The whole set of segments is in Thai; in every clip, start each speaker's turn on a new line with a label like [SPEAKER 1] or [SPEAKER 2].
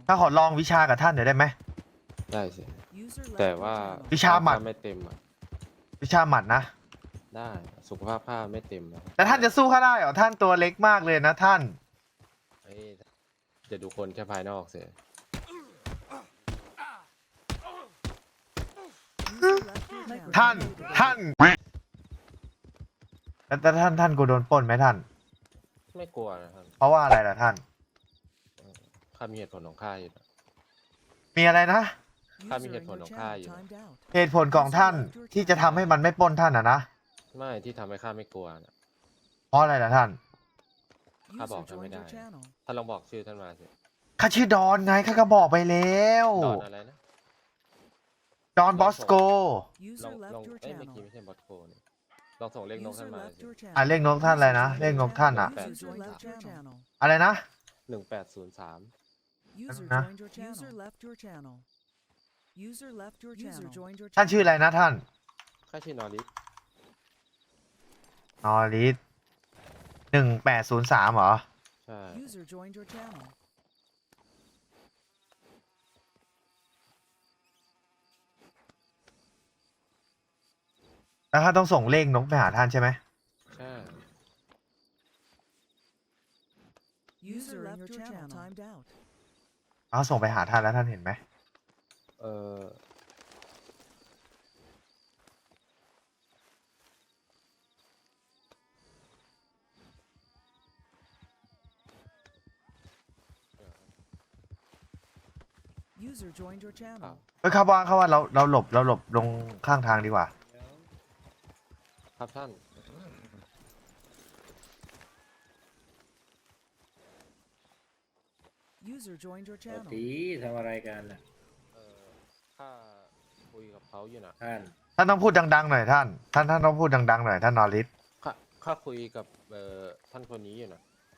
[SPEAKER 1] ถ้าขอลองวิชากับท่านหน่อยได้ไหม
[SPEAKER 2] ได้สิแต่ว่า
[SPEAKER 1] วิชาหมัด
[SPEAKER 2] ไม่เต็มอ่ะ
[SPEAKER 1] วิชาหมัดนะ
[SPEAKER 2] ได้สุขภาพผ้าไม่เต็มนะ
[SPEAKER 1] แต่ท่านจะสู้ข้าได้เหรอท่านตัวเล็กมากเลยนะท่าน
[SPEAKER 2] เอ้ยจะดูคนแค่ภายนอกเสีย
[SPEAKER 1] ท่านแต่ท่านกูโดนปล้นไหมท่าน
[SPEAKER 2] ไม่กลัวนะครับ
[SPEAKER 1] เพราะว่าอะไรล่ะท่าน
[SPEAKER 2] ข้ามีเหตุผลของข้าอยู่นะ
[SPEAKER 1] มีอะไรนะ
[SPEAKER 2] ข้ามีเหตุผลของข้าอยู่นะ
[SPEAKER 1] เหตุผลของท่านที่จะทำให้มันไม่ปล้นท่านนะ
[SPEAKER 2] ไม่ที่ทำให้ข้าไม่กลัวนะ
[SPEAKER 1] เพราะอะไรล่ะท่าน
[SPEAKER 2] ข้าบอกท่านไม่ได้ท่านลองบอกชื่อท่านมาสิ
[SPEAKER 1] ข้าชื่อดอนไงข้าก็บอกไปแล้ว
[SPEAKER 2] ดอนอะไรนะ
[SPEAKER 1] ดอนบอสโก
[SPEAKER 2] ลองเอ้ยเมื่อกี้ไม่ใช่บอสโคนี่ลองส่งเลขนกท่านมาสิ
[SPEAKER 1] อ่ะเลขนกท่านอะไรนะเลขนกท่านอะอะไรนะ
[SPEAKER 2] 1803
[SPEAKER 1] ท่านชื่ออะไรนะท่าน
[SPEAKER 2] ข้าชื่อนอริส
[SPEAKER 1] นอริส1803เหรอ
[SPEAKER 2] ใช่
[SPEAKER 1] แล้วข้าต้องส่งเลขนกไปหาท่านใช่ไหม
[SPEAKER 2] ใช่
[SPEAKER 1] เขาส่งไปหาท่านแล้วท่านเห็นไหม
[SPEAKER 2] เอออ้าว
[SPEAKER 1] เฮ้ยข้าว่าเราหลบลงข้างทางดีกว่า
[SPEAKER 2] ครับท่าน
[SPEAKER 3] ปกติทำอะไรกันน่ะ
[SPEAKER 2] ข้าคุยกับเขาอยู่นะ
[SPEAKER 3] ท่าน
[SPEAKER 1] ท่านต้องพูดดังๆหน่อยท่านต้องพูดดังๆหน่อยท่านนอริส
[SPEAKER 2] ข้าคุยกับท่านคนนี้อยู่นะ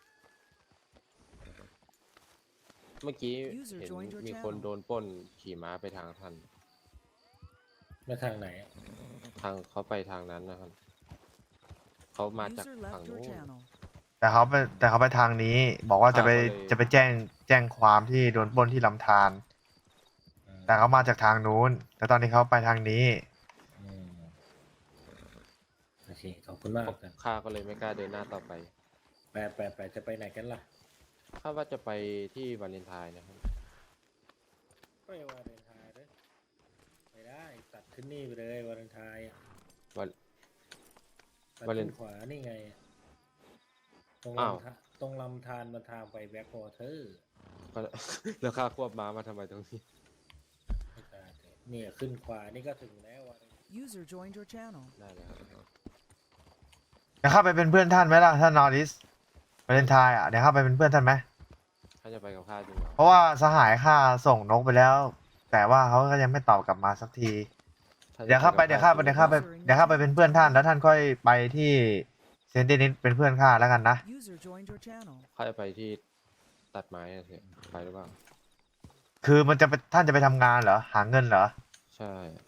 [SPEAKER 2] เมื่อกี้เห็นมีคนโดนปล้นขี่ม้าไปทางท่าน
[SPEAKER 3] มาทางไหน
[SPEAKER 2] ทางเขาไปทางนั้นนะครับเขามาจากฝั่งนู้น
[SPEAKER 1] แต่เขาไปทางนี้ บอกว่าจะไป
[SPEAKER 2] ข้าก็เลย
[SPEAKER 1] จะไปแจ้งความที่โดนปล้นที่ลำธารแต่เขามาจากทางนู้นแต่ตอนนี้เขาไปทางนี้
[SPEAKER 3] อืมโอเคขอบคุณมากกัน
[SPEAKER 2] ข้าก็เลยไม่กล้าเดินหน้าต่อไป
[SPEAKER 3] ไปจะไปไหนกันล่ะ
[SPEAKER 2] ข้าว่าจะไปที่วาเลนไทน์นะครับ
[SPEAKER 3] ไปวาเลนไทน์เลยไม่ได้ตัดขึ้นนี่ไปเลยวาเลนไทน์อะ
[SPEAKER 2] วัน
[SPEAKER 3] ตัด
[SPEAKER 2] วาเล
[SPEAKER 3] ขึ้
[SPEAKER 2] น
[SPEAKER 3] นขวานี่ไงตรง
[SPEAKER 2] อ้าว
[SPEAKER 3] ตรงลำธารมาทางไปแบ็ควอเตอร์
[SPEAKER 2] ก็ แล้วข้าควบม้ามาทำไมตรงนี้
[SPEAKER 3] ไม่ตายเลยเนี่ยขึ้นขวานี่ก็ถึงแล้ววาเลน
[SPEAKER 2] ได้เลยครับ
[SPEAKER 1] เดี๋ยวเข้าไปเป็นเพื่อนท่านไหมล่ะท่านนอริสวาเลนไทน์อ่ะเดี๋ยวเข้าไปเป็นเพื่อนท่านไหม
[SPEAKER 2] ข้าจะไปกับข้าจริงเหรอ
[SPEAKER 1] เพราะว่าสหายข้าส่งนกไปแล้ว แต่ว่าเขาก็ยังไม่ตอบกลับมาสักที
[SPEAKER 2] ข้จะ
[SPEAKER 1] เดี๋ยวเข้าไป
[SPEAKER 2] กับข้จริงหรอ
[SPEAKER 1] เป็นเพื่อนท่านแล้วท่านค่อยไปที่เซนตินิสเป็นเพื่อนข้าแล้วกันนะ
[SPEAKER 2] ข้าจะไปที่ตัดไม้อะสิไปหรือเปล่า
[SPEAKER 1] คือมันจะไปท่านจะไปทำงานเหรอหาเงินเหรอ
[SPEAKER 2] ใช่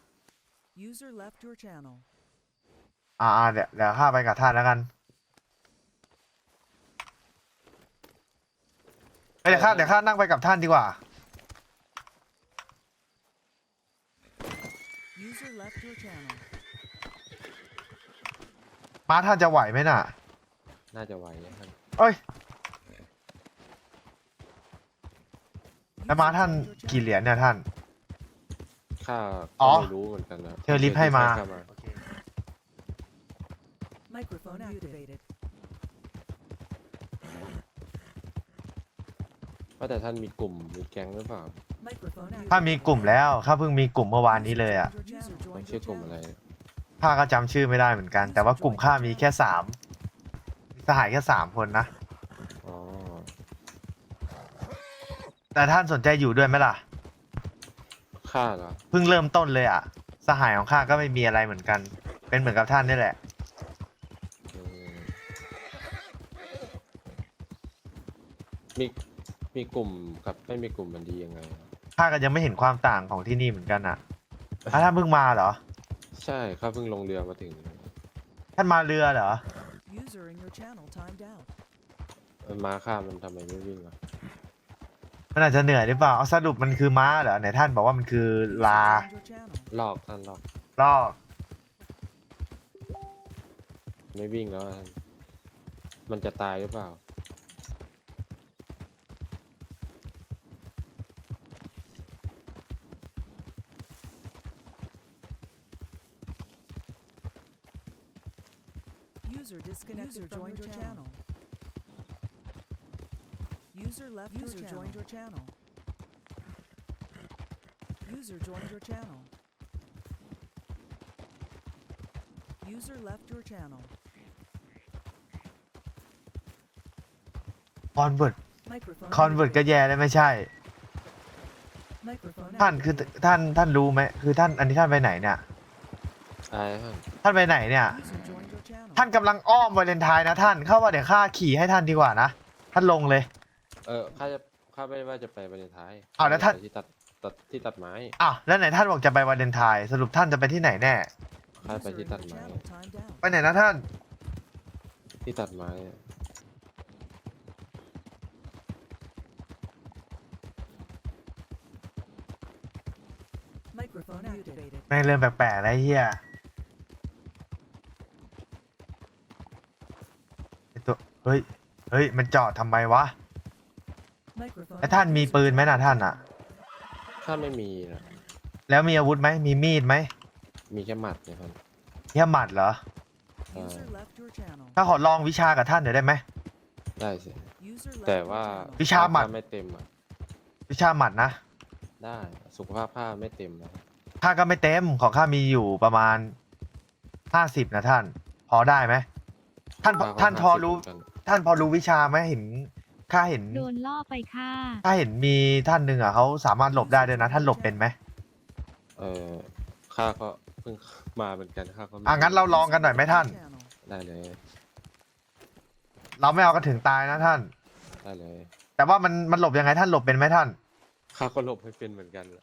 [SPEAKER 1] เดี๋ยวข้าไปกับท่านแล้วกันเอ้ยเดี๋ยวข้านั่งไปกับท่านดีกว่าม้าท่านจะไหวไหมน่ะ
[SPEAKER 2] น่าจะไหวนะครับ
[SPEAKER 1] เอ้ยแล้วม้าท่านกี่เหรียญเนี่ยท่าน
[SPEAKER 2] ข้า
[SPEAKER 1] อ๋
[SPEAKER 2] ก็
[SPEAKER 1] อ
[SPEAKER 2] ไม่รู้เหมือนกันนะ
[SPEAKER 1] เธอลิฟต์ให้มา
[SPEAKER 2] ข้ ว่าแต่ท่านมีกลุ่มมีแก๊งหรือเปล่า
[SPEAKER 1] ถ้ามีกลุ่มแล้วข้าเพิ่งมีกลุ่มเมื่อวานนี้เลยอ่ะ
[SPEAKER 2] มันชื่อกลุ่มอะไร
[SPEAKER 1] ข้าก็จำชื่อไม่ได้เหมือนกัน แต่ว่ากลุ่มข้ามีแค่สหายแค่3 คนนะ
[SPEAKER 2] อ๋อ
[SPEAKER 1] แต่ท่านสนใจอยู่ด้วยไหมล่ะ
[SPEAKER 2] ข้าเหรอ
[SPEAKER 1] เพิ่งเริ่มต้นเลยอ่ะ สหายของข้าก็ไม่มีอะไรเหมือนกัน เป็นเหมือนกับท่านนี่แหละ
[SPEAKER 2] อืมมีมีกลุ่มกับไม่มีกลุ่มมันดียังไง
[SPEAKER 1] ข้าก็ยังไม่เห็นความต่างของที่นี่เหมือนกันอ่ะท่านเพิ่งมาเหรอ
[SPEAKER 2] ใช่ข้าเพิ่งลงเรือมาถึง
[SPEAKER 1] ท่านมาเรือเหรอ
[SPEAKER 2] ม้าข้ามันทำไมไม่วิ่งอ่ะ
[SPEAKER 1] ทมันอาจจะเหนื่อยหรือเปล่าเอาสรุปมันคือม้าเหรอไหนท่านบอกว่ามันคือลา
[SPEAKER 2] ลอกท่านลอก
[SPEAKER 1] ลอก
[SPEAKER 2] ไม่วิ่งแล้วท่านมันจะตายหรือเปล่า
[SPEAKER 4] User joined your channel. User left joined your channel. User joined your channel. User left your channel.
[SPEAKER 1] คอนเวิร์ต
[SPEAKER 4] Microphone
[SPEAKER 1] คอนเวิร์ตก็
[SPEAKER 4] muted.
[SPEAKER 1] แย่เลยไม่ใช่
[SPEAKER 4] Microphone
[SPEAKER 1] ท่านคือ
[SPEAKER 4] activated.
[SPEAKER 1] ท่านรู้ไหมคือท่านอันนี้ท่านไปไหนเนี่ย
[SPEAKER 2] ตายท่าน
[SPEAKER 1] ท่านไปไหนเนี่ย
[SPEAKER 4] User joined your channel.
[SPEAKER 1] ท่านกำลังอ้อมวาเลนไทน์นะท่านเข้าว่าเดี๋ยวข้าขี่ให้ท่านดีกว่านะท่านลงเลย
[SPEAKER 2] ข้าไม่ว่าจะไปวันท้าย
[SPEAKER 1] อ้าวแล้วท่าน
[SPEAKER 2] ไปที่ตัดไม้
[SPEAKER 1] อ้าวแล้วไหนท่านบอกจะไปวาเลนไทน์สรุปท่านจะไปที่ไหนแน่
[SPEAKER 2] ข้าไป
[SPEAKER 4] User
[SPEAKER 2] ที่
[SPEAKER 4] in
[SPEAKER 2] ตัด
[SPEAKER 4] your
[SPEAKER 2] ไม้
[SPEAKER 4] channel timed out.
[SPEAKER 1] ไปไหนนะท่าน
[SPEAKER 2] ที่ตัดไม้
[SPEAKER 4] Microphone activated.
[SPEAKER 1] แม่งเริ่มแปลกๆแล้วไอ้เฮียไอ้ตัวเฮ้ยมันจอดทำไมวะ
[SPEAKER 4] Microphone
[SPEAKER 1] แล้วท่านมีปืนไหมนะท่านอ่ะ
[SPEAKER 2] ข้าไม่มีนะ
[SPEAKER 1] แล้วมีอาวุธไหมมีมีดไหม
[SPEAKER 2] มีแค่หมัดเนี่ยท่าน
[SPEAKER 1] เฮียหมัดเหรอ
[SPEAKER 4] User left your channel.
[SPEAKER 1] ถ้าขอลองวิชากับท่านหน่อยได้ไหม
[SPEAKER 2] ได้สิ
[SPEAKER 4] User left
[SPEAKER 2] แต่
[SPEAKER 4] your
[SPEAKER 2] ว่า
[SPEAKER 4] channel.
[SPEAKER 1] วิชาหมัด
[SPEAKER 2] ข้ไม่เต็มอ่ะ
[SPEAKER 1] วิชาหมัดนะ
[SPEAKER 2] ได้สุขภาพข้าไม่เต็มนะ
[SPEAKER 1] ข้าก็ไม่เต็มของข้ามีอยู่ประมาณ50นะท่าน พอได้ไหมท่าน
[SPEAKER 2] ข้ก็
[SPEAKER 1] ท่านพอรู้
[SPEAKER 2] 50เหมืนกัน
[SPEAKER 1] ท่านพอรู้วิชาไหมเห็นข้าเห็น
[SPEAKER 5] โดนล่อไปค่ะ
[SPEAKER 1] ข้าเห็นมีท่านหนึ่งอ่ะเขาสามารถหลบได้ด้วยนะ ท่านหลบเป็นไหม
[SPEAKER 2] ข้าก็เพิ่งมาเหมือนกันข้าก็ไม่
[SPEAKER 1] งั้นเราลองกันหน่อยไหมท่าน
[SPEAKER 4] Channel.
[SPEAKER 2] ได้เลย
[SPEAKER 1] เราไม่เอากันถึงตายนะท่าน
[SPEAKER 2] ได้เลย
[SPEAKER 1] แต่ว่ามันหลบยังไงท่านหลบเป็นไหมท่าน
[SPEAKER 2] ข้าก็หลบให้เป็นเหมือนกันแหละ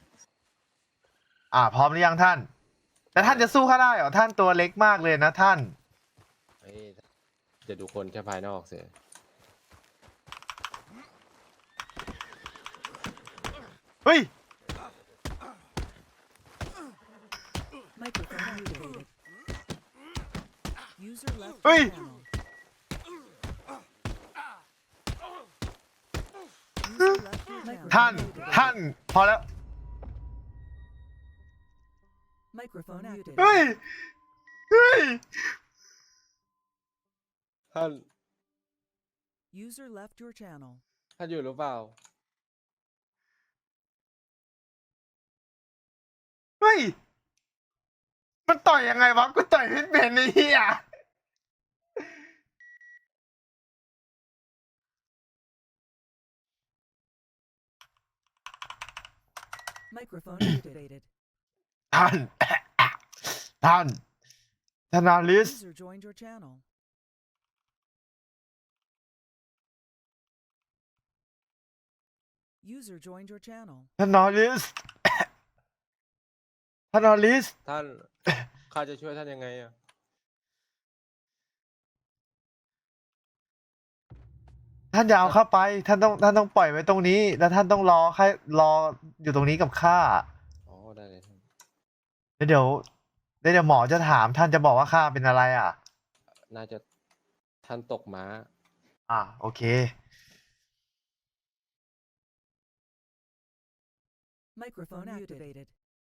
[SPEAKER 1] พร้อมหรือยังท่าน แต่ท่านจะสู้ข้าได้เหรอท่านตัวเล็กมากเลยนะท่าน
[SPEAKER 2] เฮ้ยจะดูคนแค่ภายนอกเสีย
[SPEAKER 1] เฮ้ย
[SPEAKER 4] Microphone activated. User left
[SPEAKER 1] Hey!
[SPEAKER 4] your channel. User left your channel.
[SPEAKER 1] ท่านพอแล้ว
[SPEAKER 4] Microphone activated.
[SPEAKER 1] เฮ้ย
[SPEAKER 2] ท่าน
[SPEAKER 4] User left your channel.
[SPEAKER 2] ท่านอยู่หรือเปล่า
[SPEAKER 1] เฮ้ย มันต่อยยังไงวะ กูต่อยไม่เป็นไอ้เหี้ย
[SPEAKER 4] Microphone activated.
[SPEAKER 1] ท่าน ท่านนาลิส
[SPEAKER 4] User joined your channel. User joined your channel.
[SPEAKER 1] ท่านนาลิส ท่านนาลิส
[SPEAKER 2] ท่าน ข้าจะช่วยท่านยังไงอ่ะ
[SPEAKER 1] ท่านอย่าเอาเข้าไป ท่านต้องปล่อยไว้ตรงนี้ แล้วท่านต้องรออยู่ตรงนี้กับข้า
[SPEAKER 2] อ๋อได้เลยท่าน
[SPEAKER 1] แล้วเดี๋ยวหมอจะถามท่านจะบอกว่าข้าเป็นอะไรอ่ะ
[SPEAKER 2] น่าจะท่านตกม้า
[SPEAKER 1] โอเค
[SPEAKER 4] Microphone activated.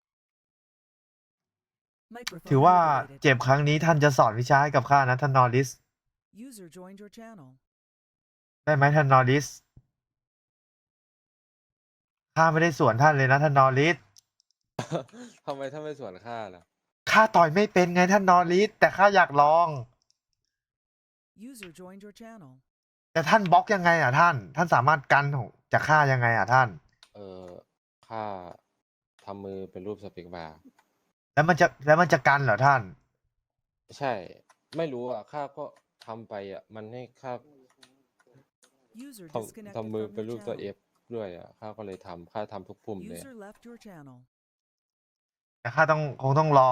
[SPEAKER 1] ถือ
[SPEAKER 4] Microphone
[SPEAKER 1] ว่า
[SPEAKER 4] activated.
[SPEAKER 1] เจ็บครั้งนี้ท่านจะสอนวิชาให้กับข้านะท่านนอริส
[SPEAKER 4] User joined your channel.
[SPEAKER 1] ได้ไหมท่านนอริส ข้าไม่ได้สวนท่านเลยนะท่านนอริส
[SPEAKER 2] ทำไมท่านไม่สวนข้าล่ะ
[SPEAKER 1] ข้าต่อยไม่เป็นไงท่านนอริส แต่ข้าอยากลอง
[SPEAKER 4] User joined your channel.
[SPEAKER 1] แต่ท่านบล็อกยังไงอ่ะท่าน ท่านสามารถกันของจากข้ายังไงอ่ะท่าน
[SPEAKER 2] ข้าทำมือเป็นรูปสเปกบาร์
[SPEAKER 1] แล้วมันจะกันเหรอท่าน
[SPEAKER 2] ใช่ ไม่รู้อ่ะ ข้าก็ทำไปอ่ะ มันให้ข้า
[SPEAKER 4] User
[SPEAKER 2] ท
[SPEAKER 4] disconnected
[SPEAKER 2] ำมือ
[SPEAKER 4] from
[SPEAKER 2] เป็น
[SPEAKER 4] your
[SPEAKER 2] รูปตัว
[SPEAKER 4] channel.
[SPEAKER 2] F ด้วยอ่ะ ข้าก็เลยข้าทำทุกปุ่มเลย
[SPEAKER 4] User left your channel.
[SPEAKER 1] แต่ข้าคงต้องรอ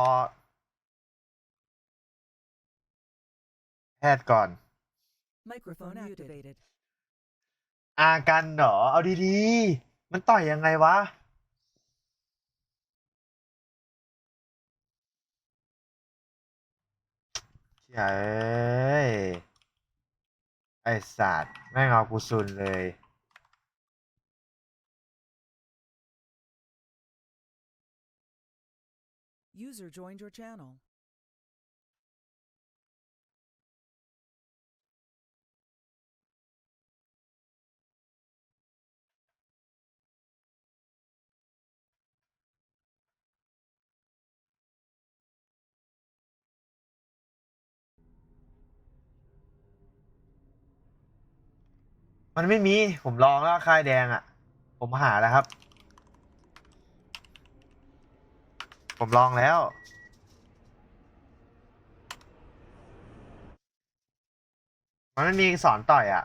[SPEAKER 1] แพทย์ก่อน
[SPEAKER 4] Microphone activated.
[SPEAKER 1] อากันเหรอ เอาดีๆ มันต่อยยังไงวะเฮ้ยไอสัตว์แม่งเอากูซุนเลย
[SPEAKER 4] User joined your channel.
[SPEAKER 1] มันไม่มี ผมลองแล้วค่ายแดงอ่ะ ผมหาแล้วครับ ผมลองแล้ว มันไม่มีสอนต่อยอ่ะ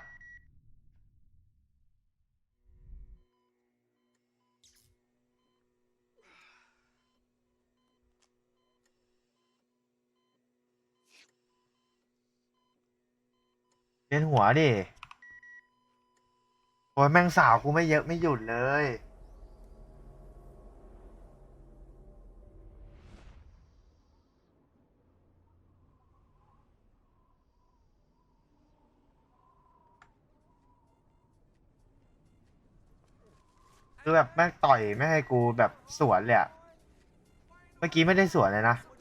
[SPEAKER 1] เล่นหัวดิโอ้ยแม่งสาวกูไม่เยอะไม่หยุดเลย คือแบบแม่งต่อยไม่ให้กูแบบสวนเลยอะเมื่อกี้ไม่ได้สวนเลยนะ